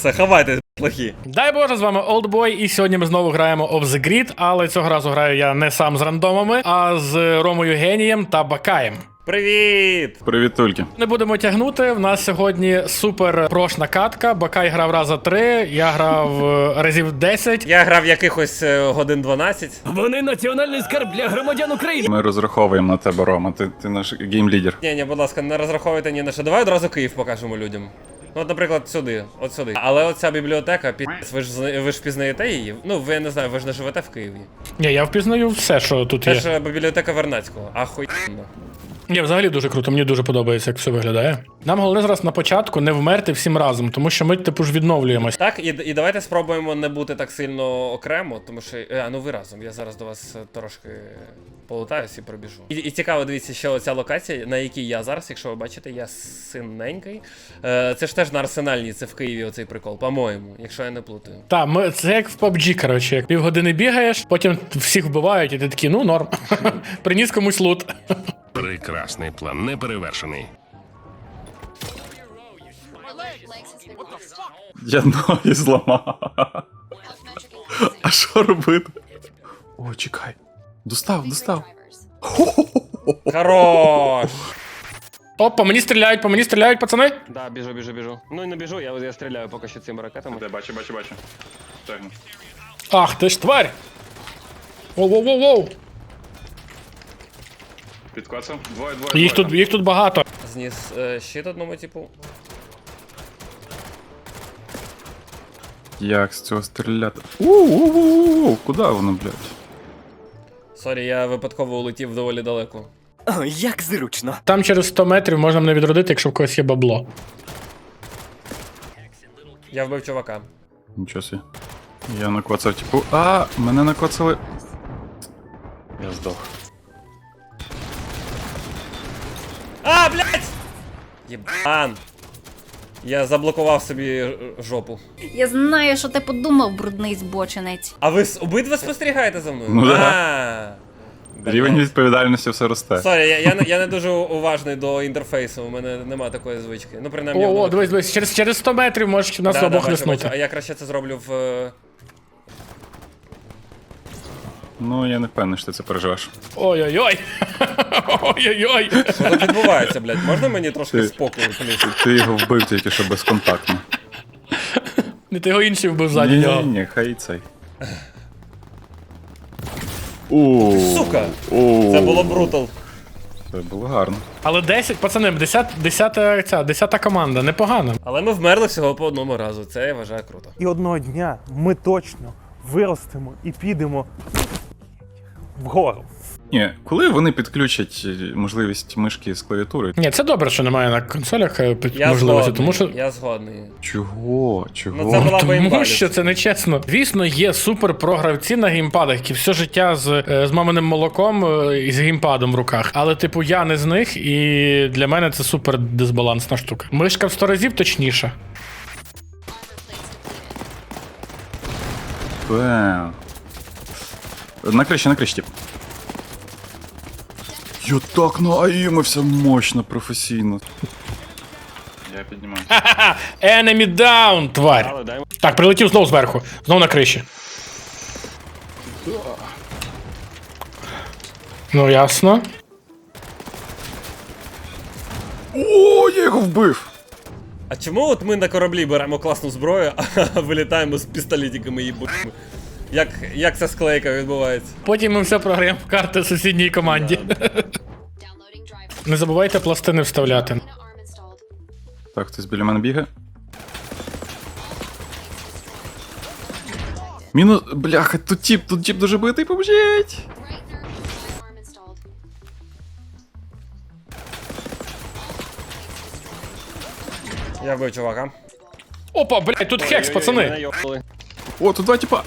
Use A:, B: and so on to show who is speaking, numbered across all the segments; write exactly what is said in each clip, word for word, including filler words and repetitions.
A: Все, ховайтесь, плохі.
B: Дай Боже, з вами Oldboy, і сьогодні ми знову граємо Off the Grid, але цього разу граю я не сам з рандомами, а з Ромою Генієм та Бакаєм.
A: Привіт!
C: Привіт, тульки.
B: Не будемо тягнути, в нас сьогодні супер прошна катка, Бакай грав раза три, я грав е, разів десять.
A: Я грав якихось е, годин дванадцять.
D: Вони національний скарб для громадян України.
C: Ми розраховуємо на тебе, Рома. Ти, ти наш геймлідер.
A: Ні, ні, будь ласка, не розраховуйте ні на що. Давай одразу Київ покажемо людям. Ну, от, наприклад, сюди, от сюди. Але оця бібліотека, пі***, ви ж, зна- ви ж пізнаєте її? Ну, ви, я не знаю, ви ж не живете в Києві.
B: Ні, я впізнаю все, що тут
A: Це
B: є.
A: ж е, бібліотека Вернадського. Ахуєнно.
B: Ні, взагалі дуже круто, мені дуже подобається, як все виглядає. Нам головне зараз на початку не вмерти всім разом, тому що ми, типу, ж відновлюємось.
A: Так, і, і давайте спробуємо не бути так сильно окремо, тому що. А, ну ви разом. Я зараз до вас е, трошки полутаюсь і пробіжу. І, і цікаво, дивіться, ще оця локація, на якій я зараз, якщо ви бачите, я синенький. Е, це ж теж на Арсенальній, це в Києві оцей прикол, по-моєму, якщо я не плутаю.
B: Так, ми, це як в паб джі, коротше, як півгодини бігаєш, потім всіх вбивають, і ти такий, ну норм. Приніс комусь лут.
E: Прекрасний план, неперевершений.
C: Я ноги зламав. А що робити? О, чекай. Достав, достав.
A: Хорош!
B: Оп, по мені стріляють, по мені стріляють, пацани.
D: Да, біжу, біжу, біжу. Ну не біжу, я, я стріляю поки що цими ракетами.
C: Де, бачу, бачу, бачу. Тягну.
B: Ах, ти ж тварь. Воу-воу-воу-воу.
C: Підклацав? Двоє, двоє,
B: Їх тут, їх тут багато.
A: Зніс е, щит одному типу.
C: Як з цього стріляти? У-у-у-у, куди воно, блядь?
A: Сорі, я випадково улетів доволі далеко.
D: О, як зручно.
B: Там через сто метрів можна мене відродити, якщо в когось є бабло.
A: Я вбив чувака.
C: Нічого собі. Я накоцав, типу, а, мене накоцали. Я здох.
A: А, блядь! Єбан! Я заблокував собі ж- жопу.
F: Я знаю, що ти подумав, брудний збочинець.
A: А ви с- обидва спостерігаєте за мною?
C: Ну да.
A: А,
C: Рівень відповідальності все росте.
A: Сорі, я, я, не- я не дуже уважний до інтерфейсу, у мене нема такої звички. Ну, принаймні,
B: О,
A: в
B: о,
A: нових-
B: дивись, дивись, через, через сто метрів можеш нас
A: Да, да,
B: обох
A: бачу, бачу. А
B: лиснути.
A: я краще це зроблю в. е,
C: Ну, я не впевнений, що ти це переживеш.
B: Ой-ой-ой. Ой-ой-ой.
A: Що тут відбувається, блядь? Можна мені трошки
C: Ти-
A: спокою, плюс?
C: Ти його вбив тільки що безконтактно.
B: Не ти його інший вбив ззаді
C: Ні,
B: нього.
C: ні, ні, хай і цей. О,
A: Сука!
C: о,
A: Це було брутал.
C: Це було гарно.
B: Але десять, пацани, десята, десята, ця, десята команда, непогано.
A: Але ми вмерли всього по одному разу. Це я вважаю круто.
G: І одного дня ми точно виростемо і підемо вгору.
C: Ні, коли вони підключать е, можливість мишки з клавіатури?
B: Ні, це добре, що немає на консолях е, під-
A: Я
B: можливості,
A: згодний.
B: тому що.
A: Я згодний.
C: Чого? Чого?
A: Ну, це була б
B: Тому
A: імба.
B: що це не чесно. Звісно, є супер програвці на геймпадах, які все життя з, е, з маминим молоком е, і з геймпадом в руках. Але, типу, я не з них, і для мене це супер дисбалансна штука. Мишка в сто разів точніша.
C: Бем. На криші, на криші, тип. Я так нааїмився мощно, професійно. Я піднімаюся.
B: Ха-ха! Enemy down, тварь!
D: Але дай
B: Так, прилетів знов зверху. Знов на криші. Ну, ясно.
C: О, я його вбив!
A: А чому от ми на кораблі беремо класну зброю, а вилітаємо з пістолетиками і бутами? Як, як ця склейка відбувається?
B: Потім ми все програємо в карти сусідній команді. Не забувайте пластини вставляти.
C: Так, хтось біля мене бігає. Мінус. Бляха, тут тіп, тут тіп дуже битий, поможіть!
A: Я вбив чувака.
B: Опа, блядь, тут хекс,
D: Мене
B: пацани.
D: йобнули.
C: О, тут два тіпа!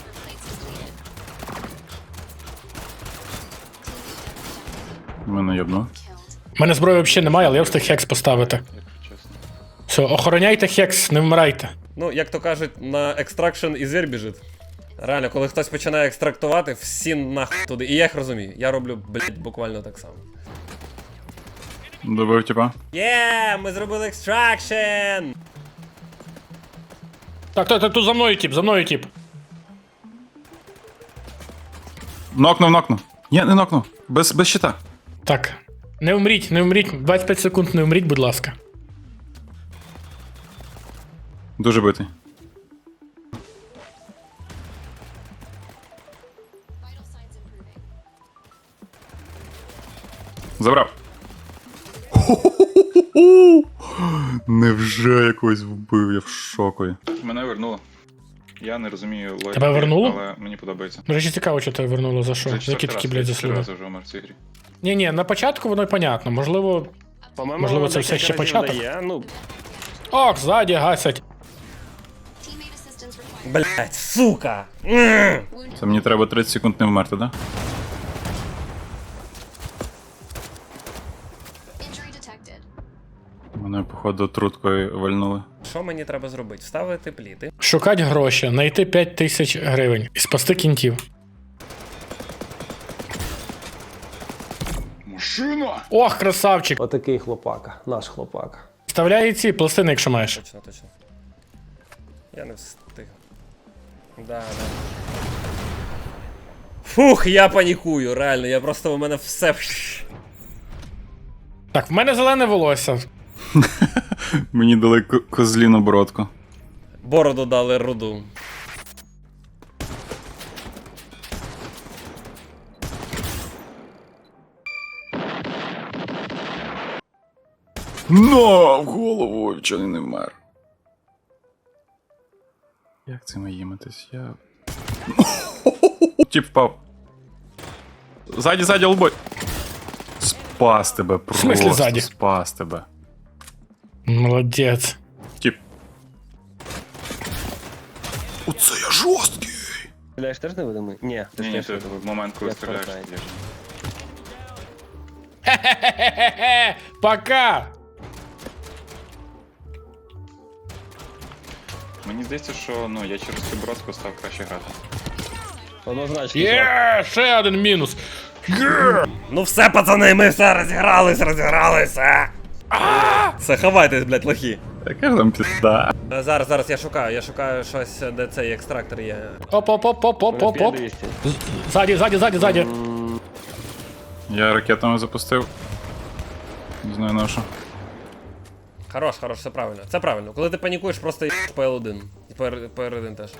C: Мене йобну.
B: У мене зброї взагалі немає, але я встиг хекс поставити. Все, охороняйте хекс, не вмирайте.
A: Ну, як то кажуть, на екстракшн і звір біжить. Реально, коли хтось починає екстрактувати, всі нахуй туди. І я їх розумію. Я роблю, блядь, буквально так само.
C: Добив тіпа.
A: Є, ми зробили екстракшн!
B: Так, так, так, тут за мною тип, за мною тип.
C: Нокнув, нокнув. Ні, не нокнув. Без, без щита.
B: Так. Не вмріть, не вмріть. двадцять п'ять секунд не вмріть, будь ласка.
C: Дуже битий. Забрав. Невже якось вбив, я в шокові. Мене вернуло. Я не розумію логіки,
B: Тебе вернуло?
C: але мені подобається.
B: До речі, цікаво, що тебе вернуло, за що? За які такі, блядь, заслуги?
C: вже вмер в цій грі.
B: Ні, ні, на початку воно й понятно. Можливо.
D: По-моєму,
B: Можливо, це все
D: декілька
B: ще
D: разів
B: початок?
D: дає. Ну,
B: Ох, ззаді гасять.
A: Блять, сука! М!
C: Це мені треба тридцять секунд не вмерти, да? Мене, походу, труткою вальнули.
A: Що мені треба зробити? Вставити пліти.
B: Шукать гроші, знайти п'ять тисяч гривень і спасти кінтів.
C: Машина!
B: Ох, красавчик!
H: Отакий хлопака, наш хлопака.
B: Вставляй ці пластини, якщо маєш.
A: Точно, точно. Я не встиг. Да, да. Фух, я панікую, реально, я просто у мене все.
B: Так, в мене зелене волосся.
C: Мені дали ко- козліну бородку.
A: Бороду дали руду.
C: Но! В голову вчений не вмер. Як цим їмитись? Я. Тіп впав. Ззаді, ззаді, олбой. Спас тебе, просто
B: смислі ззаді?
C: спас тебе.
B: Молодець.
C: Тіп. Оце я жорсткий!
D: стріляєш теж невидимий? Ні, ти
C: Ні,
D: ж
C: ні,
D: теж
C: ти
D: невидимий.
C: в момент, коли
D: Я
C: стріляєш,
D: Fortnite.
C: ти б'єш.
B: Хе-хе-хе-хе! Пока!
C: Мені здається, що ну, я через цю бородку став краще грати.
D: Однозначно.
B: Є, ще один мінус.
A: Ну все, пацани, ми все розігрались, розігралися. Все, ховайтесь, блядь, лохи.
C: Яка ж там пізда?
A: Е, Зараз, зараз я шукаю, я шукаю щось, де цей екстрактор є.
B: Оп-оп-оп-оп-оп-оп.
D: двісті.
B: Ззаді, ззаді, ззаді, ззаді.
C: Я ракетами запустив. Не знаю на що.
A: Хорош, хорош, все правильно. Це правильно. Коли ти панікуєш, просто їбаш пе ел один. І пе ер один теж.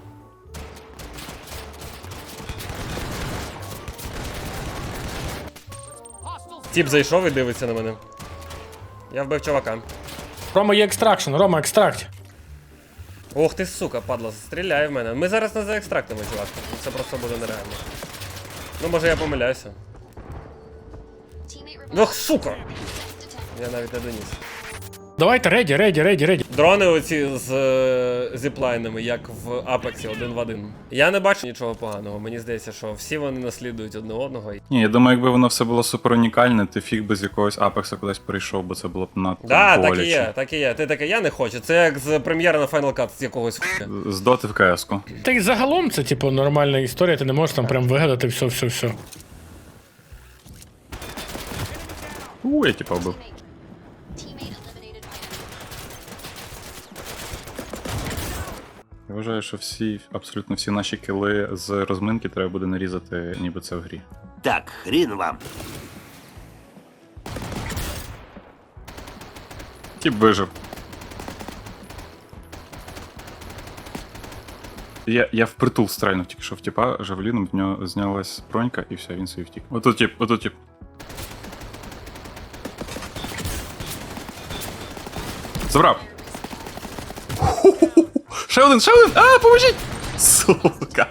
A: Тіп зайшов і дивиться на мене. Я вбив чувака.
B: Рома є екстракшн, Рома, екстракт.
A: Ох ти, сука, падла, стріляє в мене. Ми зараз не за екстрактами, чувак. Це просто буде нереально. Ну, може я помиляюся. Ох, сука! Я навіть не доніс.
B: Давайте, реді, реді, реді, реді.
A: Дрони оці з е, зіплайнами, як в Апексі, один в один. Я не бачу нічого поганого. Мені здається, що всі вони наслідують одне одного.
C: Ні, я думаю, якби воно все було супер унікальне, ти фіг би з якогось апекса кудись перейшов, бо це було б надто
A: Да,
C: боляче.
A: так і є, так і є. Ти таке, я не хочу. Це як з прем'єри на Final Cut з якогось хуя.
C: З доти в КС-ку.
B: Та й загалом це, типу, нормальна історія, ти не можеш там прям вигадати все, все, все.
C: У, я типа вбив. Я вважаю, що всі, абсолютно всі наші кіли з розминки треба буде нарізати, ніби це в грі.
I: Так, хрін вам.
C: Тіп вижив. Я, я впритул стрельнув тільки що в тіпа, жавеліном, в нього знялась бронька і все, він собі втік. Отут тіп, отут тіп. Забрав. Ще один, ще один! А, поможіть! Сука.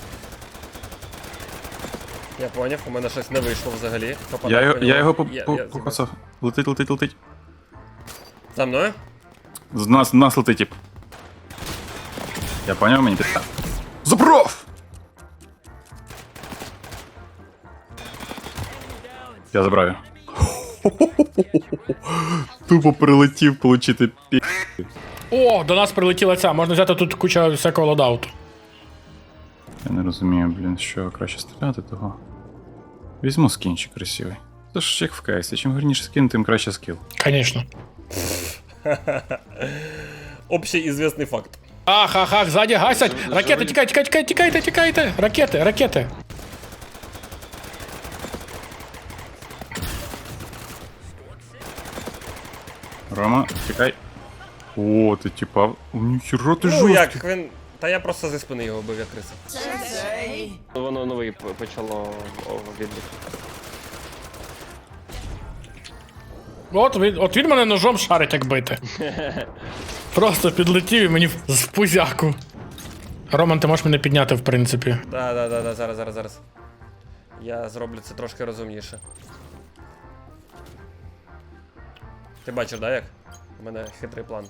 A: Я поняв, у мене щось не вийшло взагалі. Попадав
C: Я, його-
A: по
C: я
A: ньому.
C: його по-
A: Я-
C: по-
A: я-
C: покоцав. Летить, летить, летить.
A: За мною?
C: З нас, нас летить тип. Я поняв, мені підстав. Забрав! Я забрав його. Тупо прилетів получити пі.
B: О, до нас прилетіла ця, можна взяти тут куча всякого лодауту.
C: Я не розумію, блін, що краще стріляти того. Візьму скінчик красивий. Це ж як в КСі, чим гарніше скін, тим краще скіл.
B: Звісно.
A: Общий ізвісний факт.
B: Ах, ах, ах, ззаді гасять. Ракети, тікайте, тікайте, тікайте, тікайте. Ракети, ракети.
C: Рома, чекай. О, ти типа. О, ніхіра ти
A: Ну
C: жорсткий.
A: як він. Та я просто зі спини його бив, як криса.
D: Воно новий п- почало о, відбір.
B: От він, от він мене ножом шарить, як бити. Просто підлетів і мені в- з пузяку. Роман, ти можеш мене підняти, в принципі.
A: Да, да, да, да, зараз, зараз, зараз. Я зроблю це трошки розумніше. Ти бачиш, да, як? У мене хитрий план.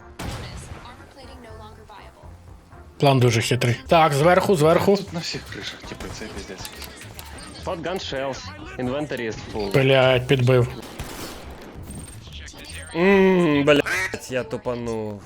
B: План дуже хитрий. Так, зверху, зверху.
I: На всіх кришах, типу, це піздець.
D: Shotgun shells. Inventory is full.
B: Блять, підбив.
A: Ммм, блядь, я тупанув.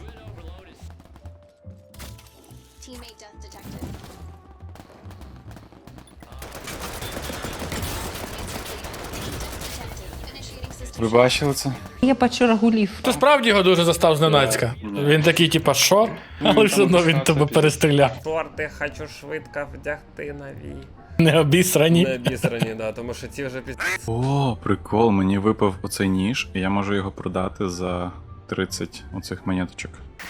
C: Ви бачили це?
J: Я бачу рагулів.
B: Ти справді його дуже застав зненацька. Він такий, типа, що? Але все одно він тебе перестріляв.
A: Шорти хочу швидко вдягти нові.
B: Не обісрані.
A: Не бісрані, да, тому що ці вже піз...
C: О, прикол, мені випав оцей ніж, і я можу його продати за тридцять оцих монеточок.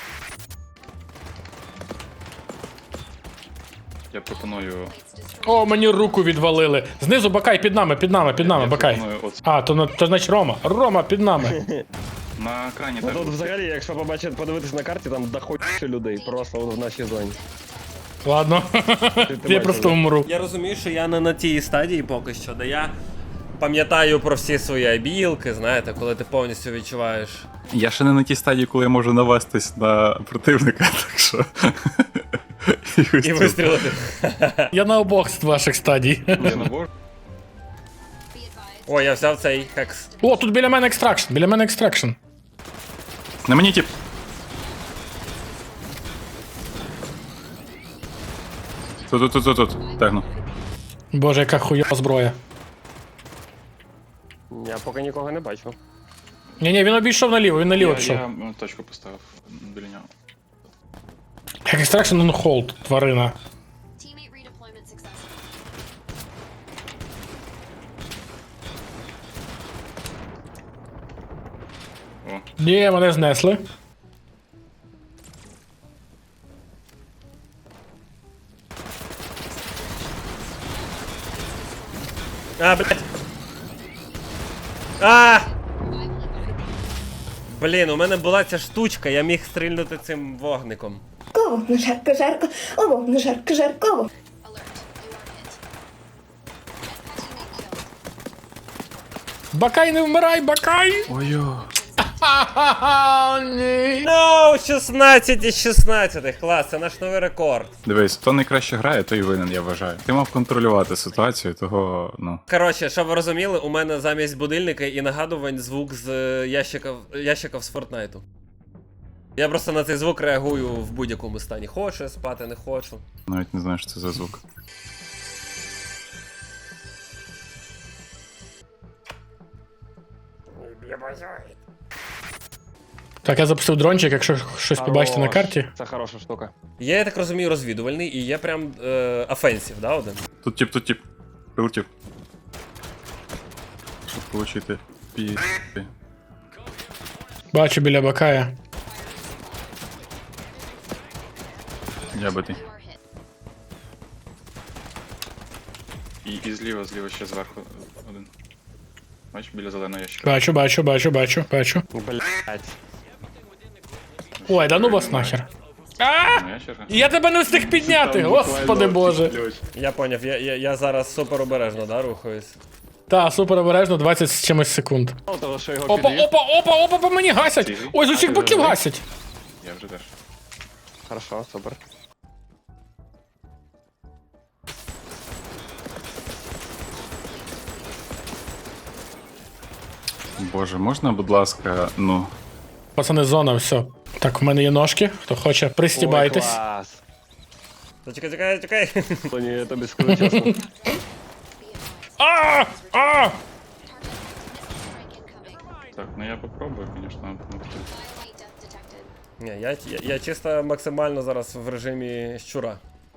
C: Я пропоную.
B: О, мені руку відвалили. Знизу Бакай, під нами, під нами, під нами,
C: я
B: Бакай.
C: пропоную оце.
B: А, то, на- то значить Рома. Рома, під нами.
C: На екрані
D: Ну,
C: теж.
D: тут взагалі, якщо побачити, подивитись на карті, там доходять людей просто от в нашій зоні.
B: Ладно.
D: ти
B: Я
D: бачив,
B: просто
D: да?
B: умру.
A: Я розумію, що я не на тій стадії поки що, де я пам'ятаю про всі свої обілки, знаєте, коли ти повністю відчуваєш.
C: Я ще не на тій стадії, коли я можу навестись на противника, так що.
A: І вистрілити.
B: Я на обох з ваших стадій.
C: Я набор.
A: О, я взяв цей хекс.
B: О, тут біля мене екстракшн, біля мене екстракшн.
C: На мені тип. Тут, тут, тут, тут, тут. Тегну.
B: Боже, яка хуйова зброя.
D: Я поки нікого не бачу.
B: Ні-ні, він обійшов наліво, він наліво
I: Я,
B: пішов.
I: я м, точку поставив біля нього.
B: Як екстракшн он холд, тварина.
I: О,
B: Ні, мене знесли.
A: А, блядь. А! Блін, у мене була ця штучка, я міг стрільнути цим вогником.
J: Вогну жарко, жарко, о, вогну жарко, жарко.
B: Бакай, не вмирай, Бакай!
C: Ой-ой.
B: Ха-ха-ха, ні.
A: Ну, шістнадцять із шістнадцяти, клас, це наш новий рекорд.
C: Дивись, хто найкраще грає, той і винен, я вважаю. Ти мав контролювати ситуацію, того, ну.
A: Коротше, щоб ви розуміли, у мене замість будильника і нагадувань звук з е, ящиків, ящиків з Фортнайту. Я просто на цей звук реагую в будь-якому стані. Хочу спати, не хочу.
C: Навіть не знаю, що це за звук.
B: Так, я запустив дрончик, якщо щось побачите на
D: Хорош.
B: карті.
D: Це хороша штука.
A: Є, я так розумію, розвідувальний і є прям е, офенсів, да, один?
C: Тут тип, тут тип. Прилетів. Щоб получити пі.
B: Бачу біля Бакая.
C: Я битий.
I: і, і зліва, зліва ще зверху один. Бачиш, біля зеленого ящика.
B: Бачу, бачу, бачу, бачу, бачу.
D: Блять.
B: Ой, да ну вас нахер. А!
I: Моя черга.
B: Я тебе не встиг підняти, господи боже.
A: Я поняв, я, я, я зараз супер обережно, да, рухаюсь.
B: Та, супер обережно, двадцять з чимось секунд.
D: Мало того, що його
B: Опа,
D: підвів.
B: опа, опа, опа, по мені гасять! Ой, з усіх боків гасять!
I: Я вже теж.
D: Хорошо, супер.
C: Боже, можна, будь ласка, ну.
B: Пацани, зона, все. Так, в мене є ножки, хто хоче,
D: Ой,
B: пристібайтесь.
D: клас.
A: Зачекай, чекай, чекай.
D: Тоні, я тобі скажу чесно.
B: А! А!
I: Так, ну я попробую, звісно, допомогти.
A: Ні, я, я, я чисто максимально зараз в режимі щура.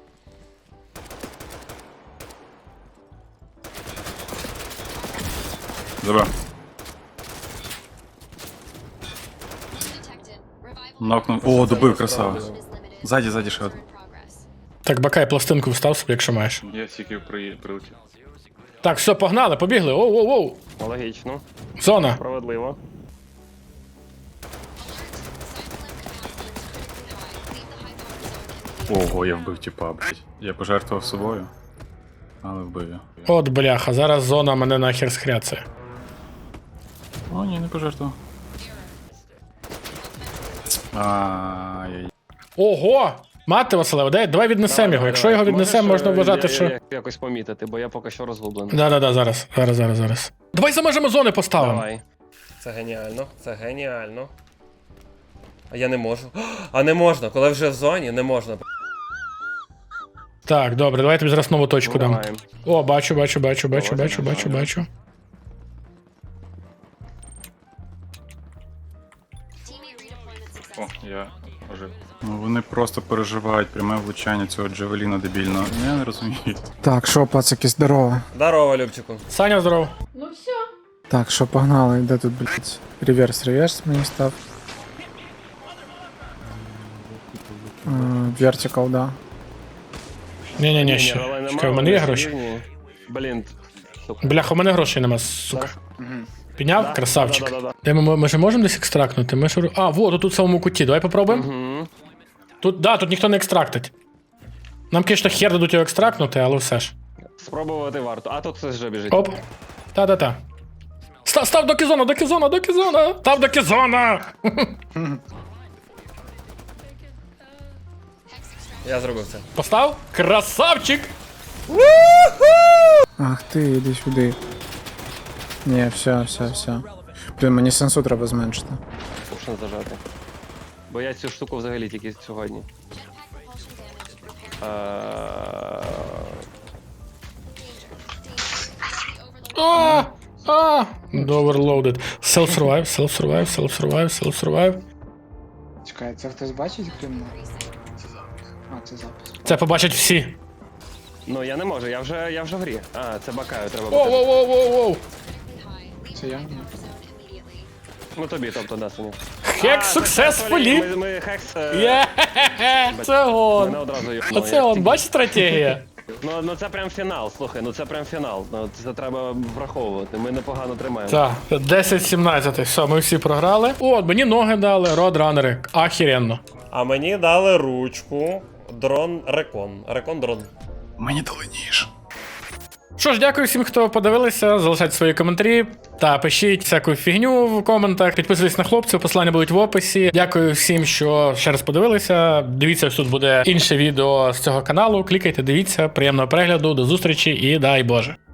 C: Забрав. Нокнув. О, добив, красава. Ззаді, ззаді ще один.
B: Так, бакай, пластинку встав собі, якщо маєш.
I: Я тільки при... прилетів.
B: Так, все, погнали, побігли. Оу-оу-оу.
D: Логічно,
B: Зона.
D: справедливо.
C: Ого, я вбив тіпа, блядь. Я пожертвував собою, але вбив я.
B: От бляха, зараз зона мене нахер схряцає.
C: О, ні, не пожертвував. Ай-яй.
B: Ого! Мати Василева, дай, давай віднесемо його. Якщо його віднесемо, можна вважати, що.
D: Я, якось помітити, бо я поки що розгублений.
B: Да-да-да, зараз, зараз, зараз, зараз. Давай за межами зони поставимо.
D: Давай.
A: Це геніально, це геніально. А я не можу. А не можна, коли вже в зоні, не можна.
B: Так, добре, давай я тобі зараз нову точку дам.
D: Давай.
B: О, бачу, бачу, бачу, бачу,
D: Давай,
B: бачу,
D: давай,
B: бачу,
D: давай.
B: бачу.
I: О, я ожив.
C: Ну вони просто переживають пряме влучання цього джавеліна дебільного. Я не розумію.
K: Так, що, пацаки, здорово.
A: Здорово, Любчику.
B: Саня, здоров.
K: Так, що, погнали, де тут, блядь? Реверс, реверс мені став. Вертикал, да.
B: Ні-ні-ні,
D: Ні,
B: ще.
D: але нема,
B: Чекай, у мене є
D: вони
B: гроші.
D: рівні. Блін, сука.
B: Бляха, у мене грошей нема, сука. Підняв?
D: Да,
B: Красавчик.
D: да-да-да-да.
B: Де ми, ми, ми ж можемо десь екстрактнути? Ми ж... А, вот, тут в самому куті. Давай попробуємо.
D: Угу.
B: Тут, да, тут ніхто не екстрактить. Нам, звісно, хер дадуть його екстрактнути, але все ж.
D: Спробувати варто. А тут хтось вже біжить.
B: Оп. Та-та-та. Став, став до кізона, до кізона, до кізона! Став до кізона!
A: Я зробив це.
B: Постав? Красавчик!
K: Ах ти, іди сюди. Ні, все, все, все. Блін, мені сенсу треба зменшити.
D: Пушно зажати. Бо я цю штуку взагалі тільки сьогодні. Е,
B: А! А! Overloaded. Self-survive, self-survive, self-survive, self-survive.
K: Чекай, це хтось бачить, крім мене? А, це запис.
B: Це побачать всі.
D: Ну я не можу, я вже я вже в грі. А, це бакаю, треба
B: Воу,
D: бакати.
B: воу, воу, воу, воу.
K: Це я?
D: Ну тобі, тобто, да, Саня.
B: Хек successfully.
D: Ми, ми хекс... е,
B: Є! Це
D: Мене
B: он.
D: одразу йобнуло.
B: Оце
D: Я
B: он,
D: тільки-
B: бач стратегія?
D: Ну, ну це прям фінал, слухай, ну це прям фінал. Ну, це треба враховувати. Ми непогано тримаємо.
B: Так, десять сімнадцять, все, ми всі програли. О, мені ноги дали, родранери. Ахіренно.
A: А мені дали ручку. Дрон Рекон. Рекон дрон.
C: Мені дали ніж.
B: Що ж, дякую всім, хто подивилися. Залишайте свої коментарі та пишіть всяку фігню в коментах. Підписуйтесь на хлопців, посилання будуть в описі. Дякую всім, що ще раз подивилися. Дивіться, ось тут буде інше відео з цього каналу. Клікайте, дивіться, приємного перегляду, до зустрічі і дай Боже.